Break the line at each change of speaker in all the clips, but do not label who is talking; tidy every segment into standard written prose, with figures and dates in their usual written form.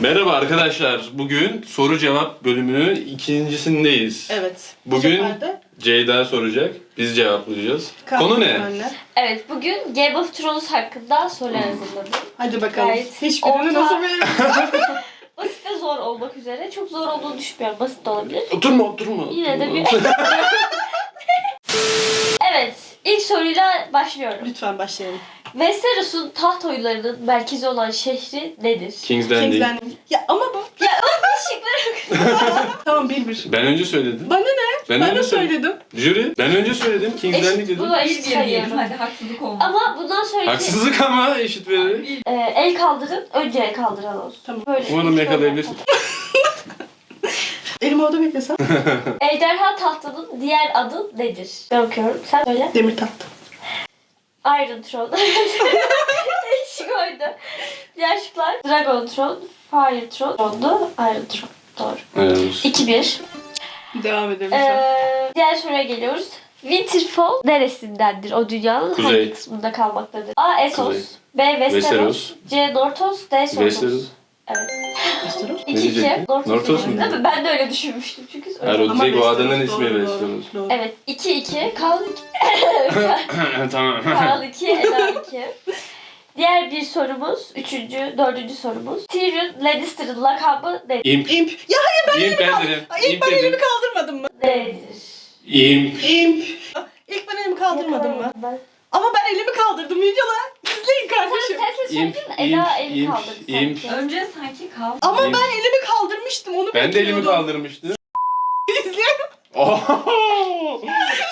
Merhaba arkadaşlar. Bugün soru cevap bölümünün ikincisindeyiz.
Evet.
Bugün Ceyda soracak. Biz cevaplayacağız. Konu ne?
Anne.
Evet, bugün Game of Thrones hakkında sorular hazırladım.
Hadi bakalım.
Gayet
Hiçbirini nasıl verelim?
Basit ve zor olmak üzere. Çok zor olduğunu düşünmüyorum. Basit de olabilir.
Oturma.
Yine de bir... Evet, ilk soruyla başlıyorum.
Lütfen başlayalım.
Westeros'un taht oyunlarının merkezi olan şehri nedir?
King's Landing.
King's Landing. Ya ama bu...
Şıkları
Tamam 1-1.
Ben önce söyledim.
Bana ne? Ben
önce
de söyledim.
Jüri. Ben önce söyledim. King's Landing
eşit,
dedim.
bunu eşit sayıyorum.
Hadi haksızlık olmasın.
Ama bundan sonraki
Haksızlık ama eşit verelim.
el kaldırın, önce el kaldıran olsun.
Tamam.
Böyle
Umarım yakalayabilirsin.
Elimi orada beklesem.
Ejderha tahtının diğer adı nedir? Ben okuyorum. Sen söyle.
Demir taht.
Iron Throne. Şık oydu. Diğer şıklar Dragon Throne, Fire Throne'du. Iron Throne. Doğru.
Evet.
2-1.
Devam edelim lütfen.
Diğer soruya geliyoruz. Winterfell neresindendir? O dünyanın
Kuzey.
hangi kısmında kalmaktadır? A. Essos,
Kuzey.
B. Westeros,
Westeros.
C. Northos, D. Sotos.
Westeros.
Evet.
Westeros.
2-2.
diyecektin? Northos mu?
Değil mi? Ben de öyle düşünmüştüm çünkü.
Hayır, o
Ama
direkt o
Westeros,
adanın ismi
doğru,
Westeros.
doğru.
Evet. 2-2. Kaan
Tamam.
Kaan 2, Eda 2. Diğer bir sorumuz, dördüncü sorumuz. Tyrion Lannister'ın lakabı nedir?
İmp.
İmp. Ya hayır
İmp ben dedim.
ilk ben elimi kaldırmadım mı?
Nedir?
İmp.
İmp. İlk ben elimi kaldırmadım mı? Ama ben elimi kaldırdım videolar. İzleyin kardeşim.
Sen söyledin
İmp,
mi? Eda
imp,
el
imp,
kaldırdı
imp.
sanki.
Önce sanki kal.
Ama
İmp.
ben elimi kaldırmıştım onu
Ben de elimi
bekliyordum.
kaldırmıştım.
İzleyin.
Oho!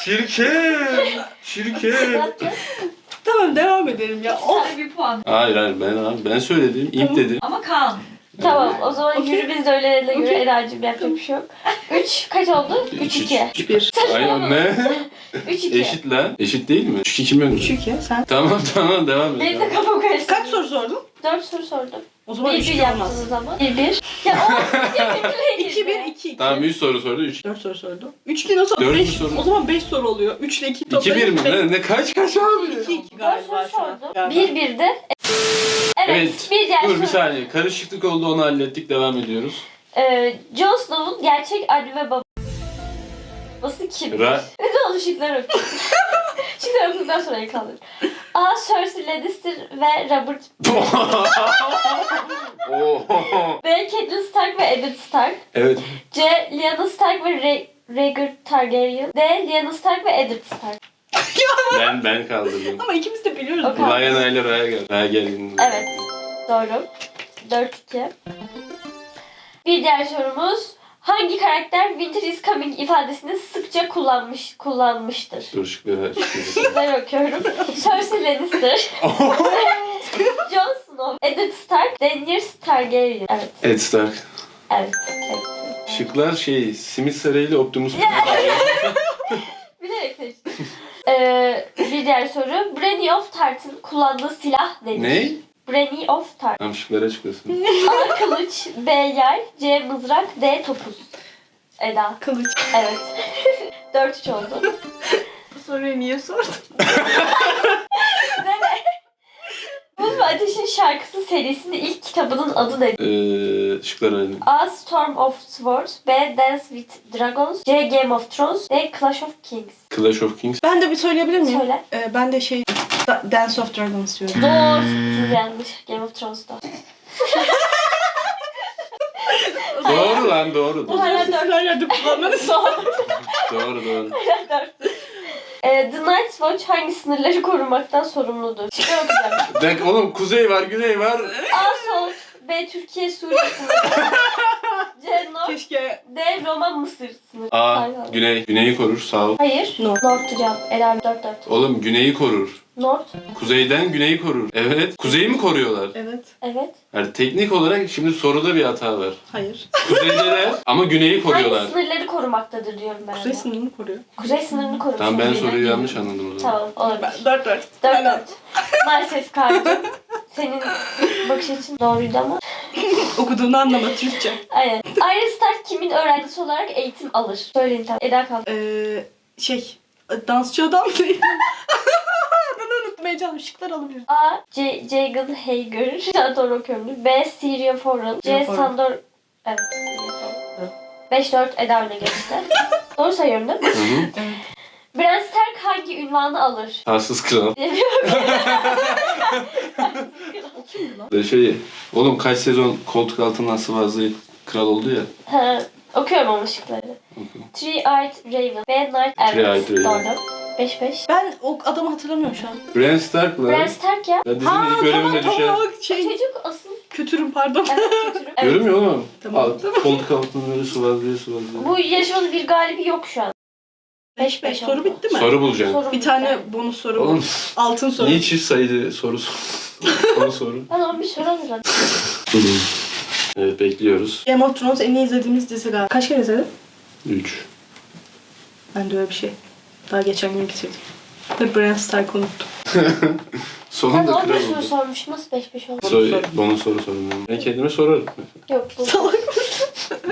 Çirkin.
Tamam devam edelim ya. Of.
Sana bir puan.
Hayır ben söyledim. İmp dedim.
Ama Kaan.
Tamam, o zaman
Okey.
yürü biz de öyle göre
Okey.
Eda'cığım yapacak bir şey yok. 3 kaç oldu? 3-2.
1.
Ay ne?
3-2.
Eşit lan. Eşit değil mi? 3-2 mi önde?
3-2 sen.
Tamam devam et.
Benim de kafam karıştı.
Kaç soru sordun?
4 soru sordum.
O zaman
1-1
3-2 olmaz.
yaptınız ama. 1-1. Ya o
2-1-2.
Tamam 3 soru sordu 3.
4 soru sordu. 3 değil o zaman
Dördüncü
5.
soru.
O zaman 5 soru oluyor. 3 ile 2
2-1
toplayalım.
mi? Ne kaç abi?
2-2
4
galiba
soru
şu an.
sordum. 1-1'de. Evet, bir diğer
Dur
soru.
bir saniye. Karışıklık oldu onu hallettik. Devam ediyoruz.
Jon Snow'un gerçek anne ve babası kimdir? Ne oldu şıkları okuyun. Şıkları okuduktan sonra el kaldır. A. Cersei Lannister ve Robert. B. Catelyn Stark ve Eddard Stark.
Evet.
C. Lyanna Stark ve Rhaegar Targaryen. D. Lyanna Stark ve Eddard Stark.
Ben kaldırdım.
Ama ikimiz de biliyoruz.
Okey.
bunu.
Lyanna ile Rhaegar.
Evet. Doğru. 4-2. Bir diğer sorumuz. Hangi karakter Winter is coming ifadesini sıkça kullanmıştır?
Dur şıkları
Şıkları okuyorum. Cersei Lannister, Jon Snow, Eddard Stark, Daenerys Targaryen. Evet.
Ed Stark.
Evet.
Şıklar Simit Sarayı ile Optimus
Bilerek seçtim. Bir diğer soru. Brienne of Tarth'ın kullandığı silah nedir?
Ne?
Brienne of Tarth.
Tamam şıkları açıklasın.
A. Kılıç, B. Yay, C. Mızrak, D. Topuz. Eda.
Kılıç.
Evet. 4-3 oldu.
Bu soruyu niye sordun?
Buz ve Ateş'in şarkısı serisinin ilk kitabının adı nedir?
Şıkları alayım.
A. Storm of Swords, B. Dance with Dragons, C. Game of Thrones, D. Clash of Kings.
Clash of Kings.
Ben de bir söyleyebilir miyim?
Söyle.
Ben de Dance of Dragons diyorum.
Doğru. Yanlış. Game of Thrones'da.
Doğru lan doğru.
Bu hala dört.
Her yerde kullanmanız
Doğru.
Doğru.
The Night's Watch hangi sınırları korumaktan sorumludur? Şıklar okuyacağım.
Oğlum kuzey var güney var.
A. Sol, B. Türkiye Suriye sınırı, C. North,
Keşke.
D. Roma Mısır sınırı.
A.
Pardon.
Güney. Güneyi korur sağ ol.
Hayır.
North.
North'tu cevap. Ela 4-4.
Oğlum güneyi korur.
North.
Kuzeyden güneyi korur. Evet. Kuzeyi mi koruyorlar?
Evet.
Evet.
Yani teknik olarak şimdi soruda bir hata var.
Hayır.
Kuzeydeler ama güneyi koruyorlar.
Hangi sınırları korumaktadır diyorum ben.
Kuzey
ona.
sınırını koruyor.
Kuzey sınırını koruyor.
Tamam ben
Kuzeyden
soruyu
geliyor.
yanlış anladım o zaman.
Tamam olabilir.
4-4.
4-4. Maalesef Kaan'cığım. Senin bakış açın doğruydu ama.
Okuduğunu anlama Türkçe.
Aynen. Arya Stark kimin öğrencisi olarak eğitim alır? Söyleyin tamam. Eda kaldı.
Dansçı adam değil. Adını unuttum. unutmayacağım. Şıklar alabilirim.
A. Jagan Hager. Şu doğru okuyorum. B. Syria Foran. C.
Foran.
Sandor... Evet. 5-4 Eda öne geçti. Doğru sayıyorum değil mi?
Hı hı.
Evet.
Bran Stark hangi ünvanı alır?
Tarsız kral.
O kimdi lan?
De şey, oğlum kaç sezon koltuk altından sıvazlayıp kral oldu ya.
Ha, okuyorum ama şıkları. Three-Eyed Raven. B. Night
Three-Eyed
Elves.
Raven.
Doğru. 5-5.
Ben o adamı hatırlamıyorum şu an.
Bran Stark
Bran
lan.
Stark ya.
Ya dizinin ilk bölümünde düşen.
Şey,
Çocuk asıl.
kötürüm pardon.
Evet kötürüm. Evet.
Görünmüyor oğlum.
Tamam.
Koltuk altından böyle sıvazlıyor.
Bu yarışmanın bir galibi yok şu an.
5-5 soru bitti mi?
Soru bulacaksın.
Soru
Bir tane bonus soru
Oğlum
bu. Altın soru.
niye çift sayılı soru Onu soru.
Ben 11 soru hazırladım.
Evet bekliyoruz.
Game of Thrones en iyi izlediğimiz dizi galiba. Kaç kere izledin?
3.
Ben de öyle bir şey. Daha geçen gün bitirdim. Ve Bran Stark'ı unuttum.
Ben
Sonunda
11
kral
soru
oldu.
sormuşum. Nasıl 5-5 oldu?
Bana soru sorun. Ben kendime sorarım.
Yok bu.
Salak mısın?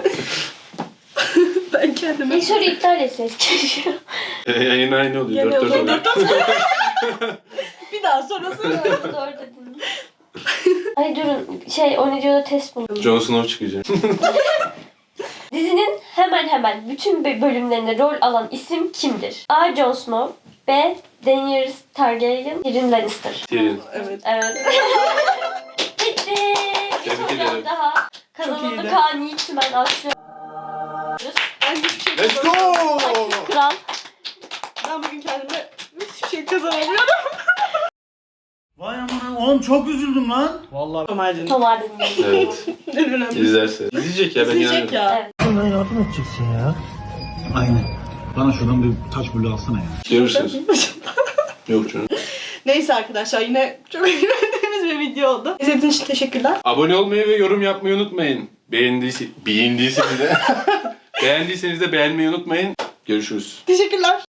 Ben kendime...
İlk soruyu iptal etseydik keşke.
Yayın aynı oluyor.
Gene
4-4
oluyor.
oluyor.
Bir daha sonrası.
Doğru dedin. Ay durun. O ne diyordu test buldum.
Jon Snow çıkacak.
Dizinin hemen bütün bölümlerinde rol alan isim kimdir? A. Jon Snow. B. Daenerys Targaryen. Tyrion Lannister.
Tyrion.
Evet.
Evet. Bitti. Bir
Tebrik
soru
ederim.
daha.
iyiydi.
Kazanıldı Kaan Yiğit'men alkışlıyoruz.
Ben hiçbir şey
Let's
kazanamıyorum.
go!
Kral.
Ben bugün kendime hiçbir şey kazanamıyorum.
Vay amına oğlum çok üzüldüm lan. Vallahi
Ömer'cim.
Tom Hardy'nin.
Evet.
En önemli.
İzlerse. İzleyecek ya ben
İzleyecek
inanıyorum.
ya.
Evet.
bana yardım edeceksin ya. Aynen. Bana şuradan bir taş bulu alsana ya.
Görürsünüz. Yok canım.
Neyse arkadaşlar yine çok eğlendiğimiz bir video oldu. İzlediğiniz için teşekkürler.
Abone olmayı ve yorum yapmayı unutmayın. Beğendiyseniz de beğendiyseniz de beğenmeyi unutmayın. Görüşürüz.
Teşekkürler.